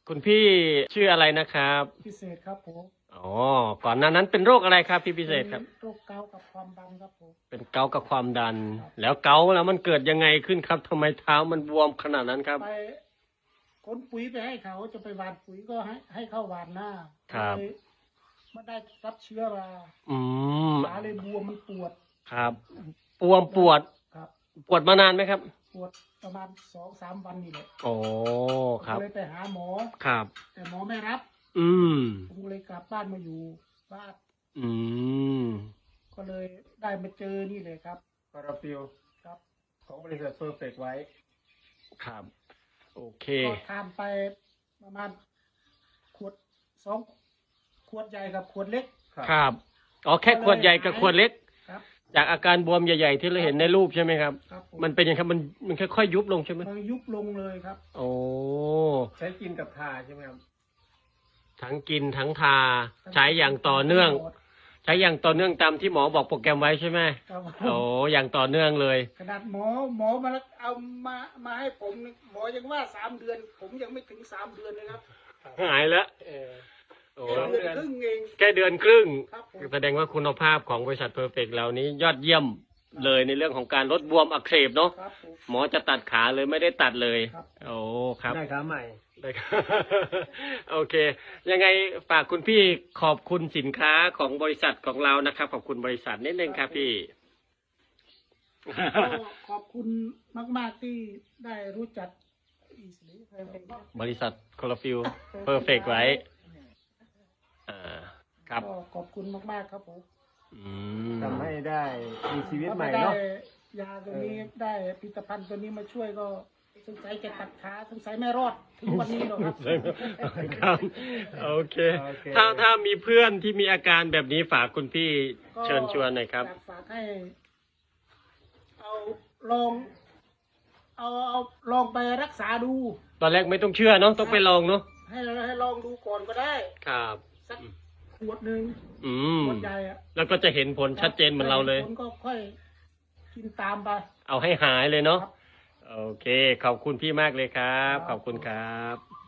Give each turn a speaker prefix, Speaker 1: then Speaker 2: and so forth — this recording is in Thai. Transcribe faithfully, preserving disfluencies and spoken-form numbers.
Speaker 1: คุณพี่ชื่ออะไรนะครับ
Speaker 2: พิเศษครับผม
Speaker 1: อ๋อก่อนหน้านั้นเป็นโรคอะไรครับพี่พิเศษครับ
Speaker 2: โรคเกาต์กับความดันครับผม
Speaker 1: เป็นเกาต์กับความดัน แล้วเกาต์แล้วมันเกิดยังไงขึ้นครับทำไมเท้ามันบวมขนาดนั้นครับ
Speaker 2: ไปขนปุ๋ยไปให้เขาจะไปหว่านปุ๋ยก็ให้ให้เข้าหว่านหน้า
Speaker 1: ครับ
Speaker 2: เลยไม่ได้รับเชื้อรา
Speaker 1: อืม
Speaker 2: ขาเลยบวมมันปวด
Speaker 1: ครับบวมปวด
Speaker 2: ครับ
Speaker 1: ปวดมานานไหมครับ
Speaker 2: ปวดประมาณสองสามวันนี่แหละ
Speaker 1: โอ้ครับ
Speaker 2: ก็เลยไปหาหมอ
Speaker 1: ครับ
Speaker 2: แต่หมอไม่รับ
Speaker 1: อืม
Speaker 2: ผมเลยกลับบ้านมาอยู่บ้าน
Speaker 1: อืม
Speaker 2: ก็เลยได้มาเจอนี่เลยครับ
Speaker 3: คาราฟิล
Speaker 2: ครับ
Speaker 3: ของบริษัทเพอร์เฟกไว้
Speaker 1: ครับ โอเค
Speaker 2: ก็ทานไปประมาณขวดสองขวดใหญ่กับขวดเล็ก
Speaker 1: ครับ อ๋อแค่ขวดใหญ่กับขวดเล็ก
Speaker 2: ครับ
Speaker 1: จากอาการบวมใหญ่ๆที่เราเห็นในรูปใช่ไหมครับ
Speaker 2: ครับผ
Speaker 1: มันเป็นยังไงครับ มันมันค่อยๆยุบลงใช่ไหม
Speaker 2: มันยุบลงเลยครับ
Speaker 1: โอ้
Speaker 3: ใช้กินกับทาใช่ไหมครับ
Speaker 1: ทั้งกินทั้งทาใช้อย่างต่อเนื่อง ใช้อย่างต่อเนื่องตามที่หมอบอกโปรแกรมไว้ใช่ไหม
Speaker 2: ครับ
Speaker 1: โอ้อย่างต่อเนื่องเลย
Speaker 2: ขนาดหมอหมอมาเอามามาให้ผมนี่หมอยังว่าสามเดือน ผมยังไม่ถึงสามเดือนเลยครับ
Speaker 1: หายแล้ว
Speaker 3: เออ
Speaker 1: โอ้
Speaker 2: แค่เดือนครึ่งเอง
Speaker 1: แค่เดือนครึ่ง
Speaker 2: ครับผม
Speaker 1: แสดงว่าคุณภาพของบริษัทเพอร์เฟกเหล่านี้ยอดเยี่ยมเลยในเรื่องของการลดบวมอักเสบเนาะ
Speaker 2: ครับผม
Speaker 1: หมอจะตัดขาเลยไม่ได้ตัดเลย
Speaker 2: ครับ
Speaker 1: โอ้ครับ
Speaker 3: ได้ขาใหม่
Speaker 1: ได้ครับ โอเค ยังไงฝากคุณพี่ขอบคุณสินค้าของบริษัทของเรานะครับ ขอบคุณบริษัทนิดนึงครับพี่
Speaker 2: ก็ขอบคุณมาก ๆ ที่ได้รู้จักอีสลีเพลงครับ
Speaker 1: บริษัทคอลฟิลเพอร์เฟกไว้อ่าครับ
Speaker 2: ก็ขอบคุณมาก ๆ ครับผม
Speaker 1: อืม
Speaker 3: ทำให้ได้มีชีวิต
Speaker 2: ถ้า
Speaker 3: ใหม่
Speaker 2: ไม่ได้
Speaker 3: เนาะ
Speaker 2: ยาตัวนี้ได้ผลิตภัณฑ์ตัวนี้มาช่วยก็สงสัยจะตัดขาสงสัยไม่รอดถึงวันนี้หรอกครับ
Speaker 1: ครับโอเค
Speaker 3: โอเค
Speaker 1: ถ้าถ้ามีเพื่อนที่มีอาการแบบนี้ฝากคุณพี่
Speaker 2: ก็
Speaker 1: เชิญชวนหน่อยครับ
Speaker 2: อยากฝากให้ เอาลอง เอาเอาลองไปรักษาดู
Speaker 1: ตอนแรกไม่ต้องเชื่อเนาะต้องไปลองเนาะ
Speaker 2: ให้ให้ลองดูก่อนก็ได้
Speaker 1: ครับ
Speaker 2: สักขวดหนึ่ง
Speaker 1: อืม
Speaker 2: ขวดใหญ่อะ
Speaker 1: แล้วก็จะเห็นผลชัดเจนเหมือนเราเลย
Speaker 2: ผลก็ค่อยกินตามไป
Speaker 1: เอาให้หายเลยเนาะ
Speaker 2: ครับ
Speaker 1: โอเค ขอบคุณพี่มากเลยครับ ขอบคุณครับ